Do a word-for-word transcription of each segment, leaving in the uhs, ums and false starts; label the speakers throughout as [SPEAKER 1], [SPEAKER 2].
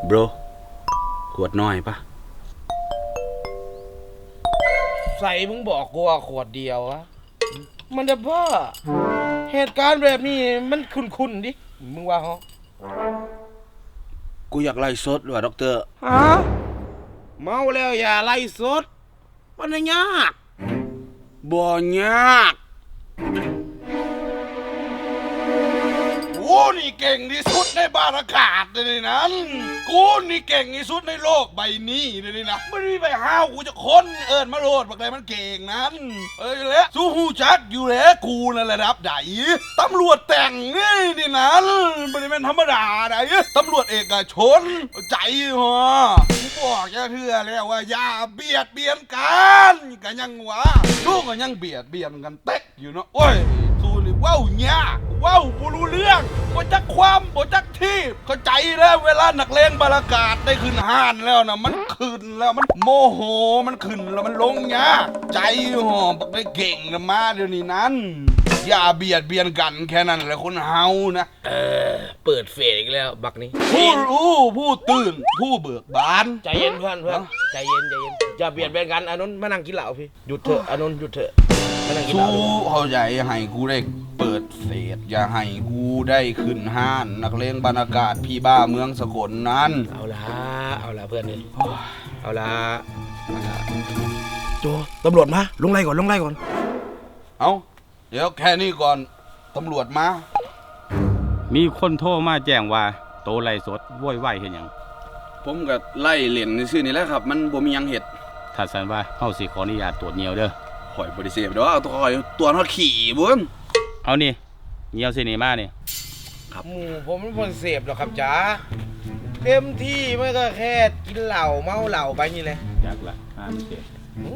[SPEAKER 1] โบรขวดน้อยปะ
[SPEAKER 2] ใส่มึงบอกกูว่าขวดเดียวอะมันจะบ้าเหตุการณ์แบบนี้มันคุ้นๆดิมึงว่าเหรอ
[SPEAKER 1] กูอยากไล่สดว่ะด็อกเตอร์
[SPEAKER 2] ฮะเมาแล้วอย่าไล่สดมันยาก
[SPEAKER 1] บ่ยากกูนี่เก่งที่สุดในบรรยากาศเลยนั้นกูนี่เก่งที่สุดในโลกใบนี้เลยนะไม่ได้ไปห้าวกูจะค้นเอิญมาโลดบักไรมันเก่งนั้นเอ้ยแล้วสู้หูจักอยู่แล้วกูนั่นระดับไหนตำรวจแต่งนี่นี่นั้นไม่ได้เป็นธรรมดาไหนตำรวจเอกชนใจฮะกูบอกจะเถื่อแล้วว่าอย่าเบียดเบียนกันกันยังวะสู้กันยังเบียดเบียนกันเต็กอยู่เนาะโอ้ยสู้นี่ว้าวเนี่ยว้าวกูรู้เรื่องบ่จักความบ่จักที่เข้าใจแล้วเวลานักเลงบรรยากาศได้ขึ้นห้านแล้วนะมันขึ้นแล้วมันโมโหมันขึ้นแล้วมันลงยากใจหอบักได้เก่งนะมาเดี๋ยวนี้นั้นอย่าเบียดเบียนกันแค่นั้นแหละคนเฮานะ
[SPEAKER 2] เออเปิดเฟซอีกแล้วบักนี้
[SPEAKER 1] ผู้รู้ผู้ตื่นผู้เบิกบาน
[SPEAKER 2] ใจเย็นเพื่อนเพื่อนใจเย็นใจเย็นอย่าเบียดเบียนกันอานนท์มานั่งกินเหล้าพี่หยุดเถอะอานนท์หยุดเถอะมานั่งกินเหล้า
[SPEAKER 1] สู้เข้าใจให้กูได้เปิดเฟซอย่าให้กูได้ขึ้นห้านนักเลงบรรยากาศพี่บ้าเมืองสกลนั้น
[SPEAKER 2] เอาละเอาละเพื่อนนี่เอาละโจตำรวจมาลงไล่ก่อนลงไล่ก่อน
[SPEAKER 1] เอาเดี๋ยวแค่นี้ก่อนตำรวจมา
[SPEAKER 3] มีคนโทรมาแจ้งว่าโตไล่สดโวยวายเห็นหยัง
[SPEAKER 1] ผมก็ไล่เหรียญในชื่อนี่แหละครับมันบ่มีหยังเห็ด
[SPEAKER 3] ถ้าสันว่าเฮาสิขออนุญาตตรวจเหนียวเด้อ
[SPEAKER 1] ข่อยบ่ได้เสพเด้อเอาตัวข่อยตัวทอดขี่บุ้น
[SPEAKER 3] เอานี่เหนียวสินี่มานี่
[SPEAKER 2] ครับหมู่ผมไม่คนเสพหรอกครับจ๋าเต็มที่ไม่ก็แค่กินเหล้าเมาเหล้าไปนี่แหละ
[SPEAKER 3] อยากละห้ามเสพ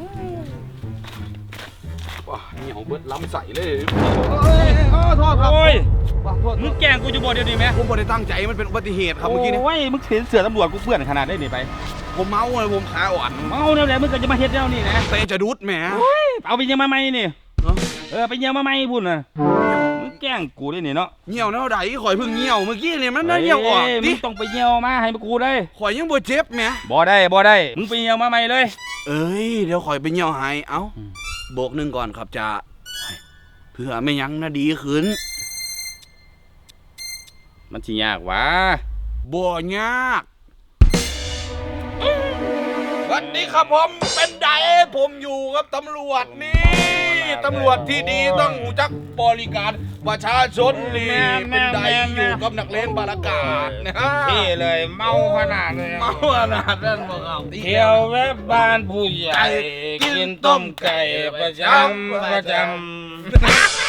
[SPEAKER 1] ว้าเหนียวเบิดล้ำใส่เลย
[SPEAKER 2] โอ้ยโทษครับ
[SPEAKER 3] โอ้ยมึงแกล้งกูจะบ่เดี๋ยวนี้ไหม
[SPEAKER 1] ผมบ่ได้ตั้งใจมันเป็นอุบัติเหตุครับเมื่อกี้นี้
[SPEAKER 3] โอ้ยมึงเห็นเสือตำรวจกูเปื้อนขนาดได้นี่ไป
[SPEAKER 1] ผมเมาเลยผมขาอ่อน
[SPEAKER 3] เมาแล้วแหละมึงก็จะมาเฮ็ดแล้วนี่นะ
[SPEAKER 1] เตะจะดุดแหม
[SPEAKER 3] เอาไปยังมาใหม่นี่เออไปยังมาใหม่พุ่นน่ะมึงแกล้งกูได้นี่เนาะ
[SPEAKER 1] เหี่ยวแนวใดข่อยเพิ่งเหี่ยวเมื่อกี้นี่มันน่าเหี่ยวออก
[SPEAKER 3] มึงต้องไปเหี่ยวมาให้กูได้
[SPEAKER 1] ข่อยยังบ่เจ็บแหม
[SPEAKER 3] บ่ได้บ่ได้มึงไปเหี่ยวมาใหม่เลย
[SPEAKER 1] เอ้ยเดี๋ยวข่อยไปเหี่ยวให้เอ้าโบกหนึ่งก่อนครับจ่าเพื่อไม่ยั้งน่าดีขึ้น
[SPEAKER 3] มันสิยากวะ
[SPEAKER 1] บ่ยากวันนี้ครับผมเป็นไดผมอยู่กับตำรวจนี่ตำรวจที่ดีต้องรู้จักบริการประชาชนนี่เป็นไดอยู่กับนักเลงบรรยากาศนะฮะ
[SPEAKER 2] ที่เลยเมาขนาดเลย
[SPEAKER 1] เมาขนาดนั้นบอกเอา
[SPEAKER 2] เที่ยวแวะบ้านผู้ใหญ่กินต้มไก่ประจำประจำ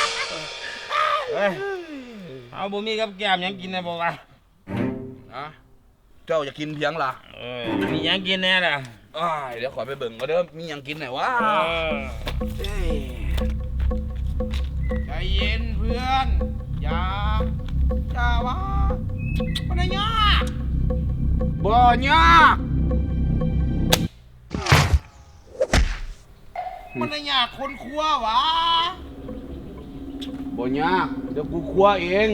[SPEAKER 2] เอาบุมีกับแก้มยังกินได้บ่วะ
[SPEAKER 1] อะเจ้าจะกินเพียงล่ะ
[SPEAKER 2] มียังกินแน่ล่ะ
[SPEAKER 1] เดี๋ยวขอไปเบิ่งก็เด้อมียังกินไหนวะ
[SPEAKER 2] ใจเย็นเพื่อนอย่าอย่าวะมันยาก
[SPEAKER 1] บ่ยาก
[SPEAKER 2] มันยากคนครัววะ
[SPEAKER 1] บ่ยากเดี๋ยวกูครัวเอง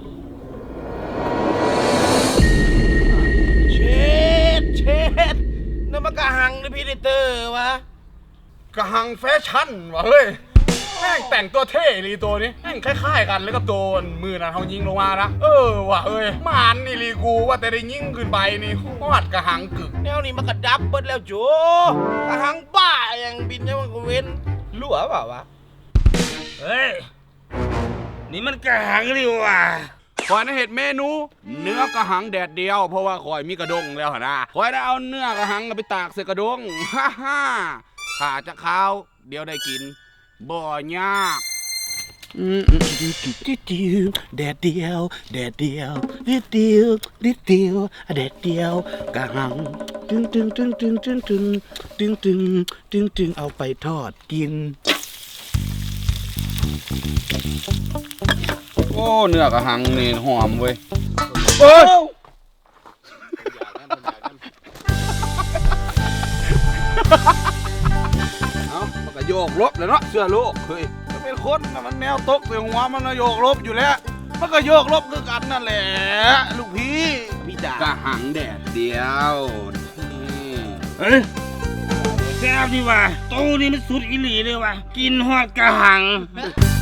[SPEAKER 2] เช็ดเช็ดนั่นมันกระหังหรือพีเดเตอร์วะ
[SPEAKER 1] กระหังแฟชั่นวะเฮ้ยแม่งแต่งตัวเท่ลีตัวนี้แม่งคล้ายๆกันแล้วกับโดนมือนั้นเขายิงลงมานะเออว่ะเอ้ยมานนี่ลีกูว่าแต่ได้ยิงขึ้นไปนี่ฮอดกระหังกึก
[SPEAKER 2] แนวนี้มันกระดับเบิดแล้วโจกระหังบ้าอย่างบินยังมันก็เว้นรั่วเปล่าวะเฮ้ยนี่มันกระหังนี่ว่ะ
[SPEAKER 1] คอยน่ะเห็ดเมนูเนื้อกระหังแดดเดียวเพราะว่าคอยมีกระดงแล้วนะคอยได้เอาเนื้อกระหังไปตากใส่กระดงฮ่าฮ่าถ้าจะข้าวเดี๋ยวได้กินบ่ยากแดดเดียวแดดเดียวนิดเดียวนิดเดียวแดดเดียวกระหังตึงตึงตึงตึงตึงตึงตึงตึงตึงตึงเอาไปทอดกินโอ้เนื้อกระหังนี่หอมเว้ยโอ้เอามันก็โยกลบเลยเนาะเสื้อโลกเฮ้ยมันเป็นคนมันแนวตกใส่หัวมันโยกลบอยู่แล้วมันก็โยกลบคือกันนั่นแหละลูกพี่พี่กะหังแดดเดียวนี่
[SPEAKER 3] เฮ้ยแซ่บดีว่ะโตนี่มันสุดอีหลีเลยว่ะกินฮอดกระหัง